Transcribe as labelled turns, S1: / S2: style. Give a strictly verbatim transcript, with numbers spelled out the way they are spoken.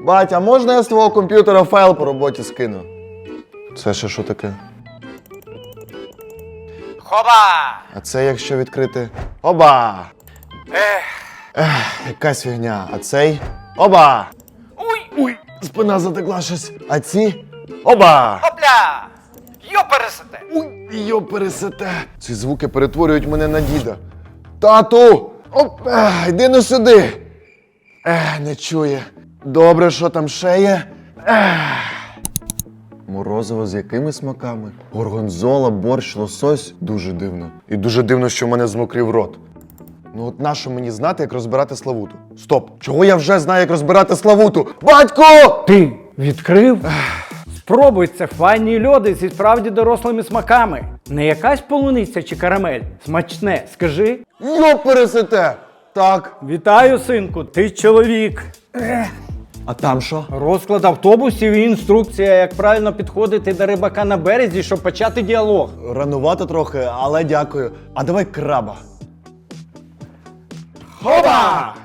S1: Бать, а можна я з твого комп'ютера файл по роботі скину? Це ще що таке?
S2: Хоба!
S1: А це якщо відкрити... Оба!
S2: Ех,
S1: Ех, якась фігня. А цей... Оба!
S2: уй,
S1: Ой, спина затекла щось. А ці... Оба!
S2: хопля! Йопересете!
S1: Ой, йо пересете. Ці звуки перетворюють мене на діда. Тату! Оп, ех, йди ну сюди. Ех, не чує. Добре, що там ще є? Ех. Морозиво з якими смаками? Горгонзола, борщ, лосось. Дуже дивно. І дуже дивно, що в мене змокрів рот. Ну от нащо мені знати, як розбирати Славуту? Стоп! Чого я вже знаю, як розбирати Славуту? Батько!
S3: Ти відкрив? Спробуй, це файні льоди зі справді дорослими смаками. Не якась полуниця чи карамель. Смачне, скажи.
S1: Йо пересете! Так.
S3: Вітаю, синку, ти чоловік.
S1: А там що?
S3: Розклад автобусів і інструкція, як правильно підходити до рибака на березі, щоб почати діалог.
S1: Ранувато трохи, але дякую. А давай краба.
S3: Хоба!